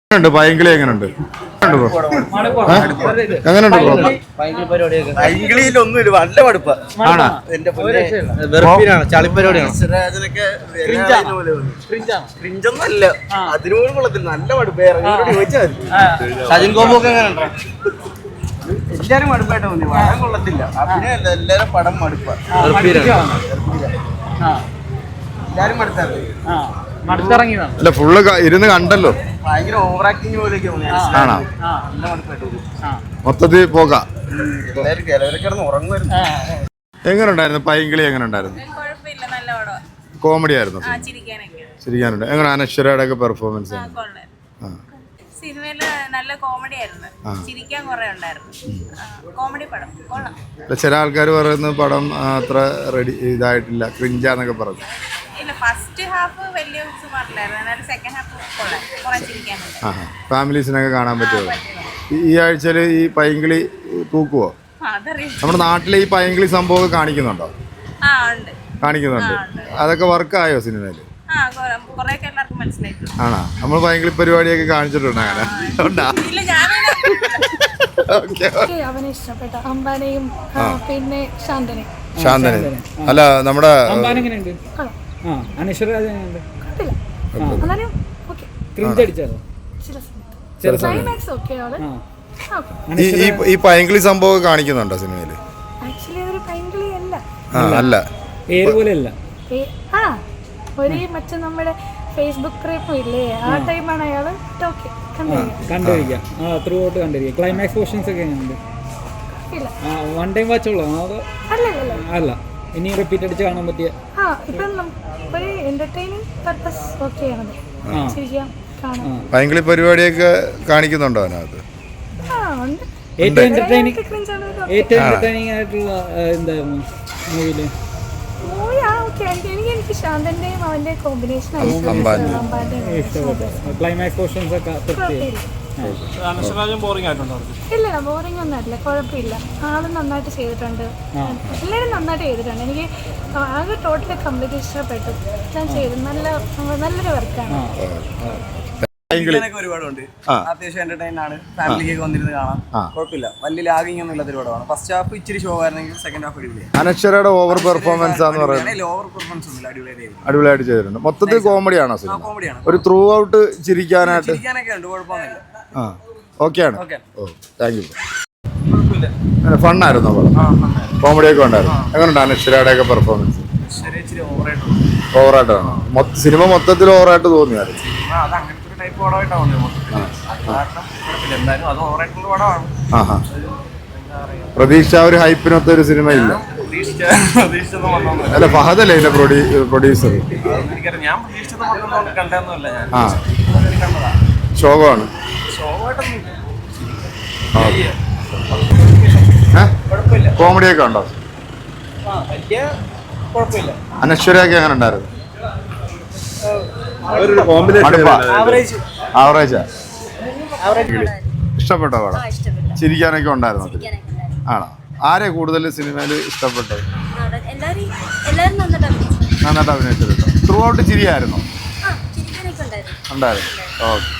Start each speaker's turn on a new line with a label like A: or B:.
A: പൈങ്കിളി എങ്ങനെയുണ്ട്? എങ്ങനെയുണ്ട് ബ്രോ?
B: പൈങ്കിളിയിലൊന്നുമില്ല, നല്ല മടുപ്പാ. ചളിപ്പരിപാടിയാണ്. ക്രിഞ്ചൊന്നല്ല, അതിനോട് കൊള്ളത്തില്ല, നല്ല മടുപ്പ്. ചോദിച്ചാൽ സജിൻ ഗോപൊക്കെ എങ്ങനെ? എല്ലാരും മടുപ്പായിട്ട് തോന്നി, പടം കൊള്ളത്തില്ല. അഭിനയല്ല, എല്ലാരും പടം മടുപ്പാ. എല്ലാരും
A: അല്ല, ഫുള്ള് ഇരുന്ന് കണ്ടല്ലോ.
B: ഭയങ്കര ഓവർ ആക്ടിങ് പോലെയൊക്കെ
A: ആണോ? മൊത്തത്തിൽ പോകാം. എങ്ങനെയുണ്ടായിരുന്നു പൈങ്കിളി? എങ്ങനെയുണ്ടായിരുന്നു? കോമഡി ആയിരുന്നു, ചിരിക്കാനുണ്ട്. എങ്ങനെ അനശ്വരയുടെ ഒക്കെ പെർഫോമൻസ്?
C: സിനിമയില് നല്ല കോമഡി ആയിരുന്നു, ചിരിക്കാൻ കുറെ ഉണ്ടായിരുന്നു. കോമഡി പടം കൊള്ളാം.
A: ചില ആൾക്കാർ പറയുന്ന പടം അത്ര റെഡി ഇതായിട്ടില്ല, ക്രിഞ്ചാന്നൊക്കെ പറഞ്ഞു.
C: ഇല്ല, ഫസ്റ്റ് ഹാഫ് വലിയ സുമാറിലായിരുന്നു, എന്നാലും സെക്കൻഡ് ഹാഫ് കൊള്ളാം, കുറെ ചിരിക്കാനുണ്ട്.
A: ഫാമിലീസിനൊക്കെ കാണാൻ പറ്റുമോ? ഈ ആഴ്ചയിൽ ഈ പൈങ്കിളി തൂക്കുവോ? നമ്മുടെ നാട്ടിൽ ഈ പൈങ്കിളി സംഭവം കാണിക്കുന്നുണ്ടോ? കാണിക്കുന്നുണ്ട്. അതൊക്കെ വർക്കായോ സിനിമയിൽ? ആണോ? നമ്മൾ പൈങ്കിളി പരിപാടിയൊക്കെ കാണിച്ചിട്ടുണ്ട് അങ്ങനെ? ശാന്തനെ അല്ല, നമ്മുടെ ഈ പൈങ്കിളി സംഭവം കാണിക്കുന്നുണ്ടോ സിനിമയില്? അല്ല,
D: മറ്റേ നമ്മുടെ ഫേസ്ബുക്ക് ക്രൈപ്പ് ഇല്ലേ, ആ ടൈമാണ് അയാള് കണ്ടിരിക്കുക.
E: ക്ലൈമാക്സ് പോർഷൻസ് ഒക്കെ വൺ ടൈം വാച്ചുള്ളൂ അല്ല, ഇനി റിപ്പീറ്റ് അടിച്ച് കാണാൻ പറ്റിയ
A: പൈങ്കിളി പരിപാടിയൊക്കെ കാണിക്കുന്നുണ്ടോ അതിനകത്ത്?
E: ഏറ്റവും എന്റർടൈനിങ് ആയിട്ടുള്ള എന്തായിരുന്നു മൂവിയില്?
D: എനിക്ക് ശാന്തന്റെയും അവന്റെ കോമ്പിനേഷൻ
E: ക്ലൈമാക്സ് പോർഷൻസ് ഒക്കെ
D: ഇല്ല, ബോറിംഗ് ഒന്നും അല്ല, കുഴപ്പമില്ല. ആളും നന്നായിട്ട് ചെയ്തിട്ടുണ്ട്, എല്ലാവരും നന്നായിട്ട് ചെയ്തിട്ടുണ്ട്. എനിക്ക് ആകെ ടോട്ടലി കംപ്ലീറ്റ് ഇഷ്ടപ്പെട്ടു. ഞാൻ ചെയ്തു, നല്ലൊരു വർക്കാണ്.
B: ഒരുപാടുണ്ട്, അത്യാവശ്യം എന്റർടൈൻ ആണ്, ഫാമിലിക്ക് വന്നിരുന്ന് കാണാം, കുഴപ്പമില്ല. വലിയ ലാഗിങ് ഒന്നും ഇല്ലാത്ത ഒരുപാടാണ്. ഫസ്റ്റ് ഹാഫ് ഇച്ചിരി ഷോ ആയിരുന്നെങ്കിൽ സെക്കൻഡ് ഹാഫ് അടിപൊളിയാണ്.
A: അനശ്വരയുടെ ഓവർ പെർഫോമൻസ് ആണെന്ന് പറയുന്നത്
B: ഓവർ പെർഫോമൻസ് ഒന്നുമില്ല,
A: അടിപൊളിയായിട്ട് ചെയ്തിട്ടുണ്ട്. മൊത്തത്തിൽ കോമഡിയാണോ സിനിമ?
B: കോമഡിയാണ്,
A: ഒരു ത്രൂ ഔട്ട് ചിരിക്കാനായിട്ട്
B: ഉണ്ട്, കുഴപ്പമൊന്നുമില്ല.
A: ഓക്കെയാണ്. ഓ, താങ്ക് യു. ഫണ്ണായിരുന്നു പടം, കോമഡിയൊക്കെ ഉണ്ടായിരുന്നു. എങ്ങനെയുണ്ട് അനശ്വരയുടെ ഒക്കെ പെർഫോമൻസ്? ഓവറായിട്ടാണ് സിനിമ മൊത്തത്തിൽ ഓവറായിട്ട് തോന്നിയായിരുന്നു. പ്രതീക്ഷ ഒരു ഹൈപ്പിനൊത്ത ഒരു സിനിമ ഇല്ല. അല്ല, ഫഹദല്ലേ ഇതിന്റെ പ്രൊഡ്യൂസർ? ശോകമാണ്. കോമഡിയൊക്കെ ഉണ്ടോ? അനശ്വരയൊക്കെ എങ്ങനെ ഉണ്ടായിരുന്നു? ആവറേജാ? ഇഷ്ടപ്പെട്ടോ പടം? ചിരിക്കാനൊക്കെ ഉണ്ടായിരുന്നു? ആണോ? ആരെ കൂടുതൽ സിനിമയിൽ ഇഷ്ടപ്പെട്ടത്? നന്നായിട്ട് അഭിനയിച്ചിട്ടുണ്ടോ? Through out ചിരിയായിരുന്നോ? ഉണ്ടായിരുന്നു. ഓക്കെ.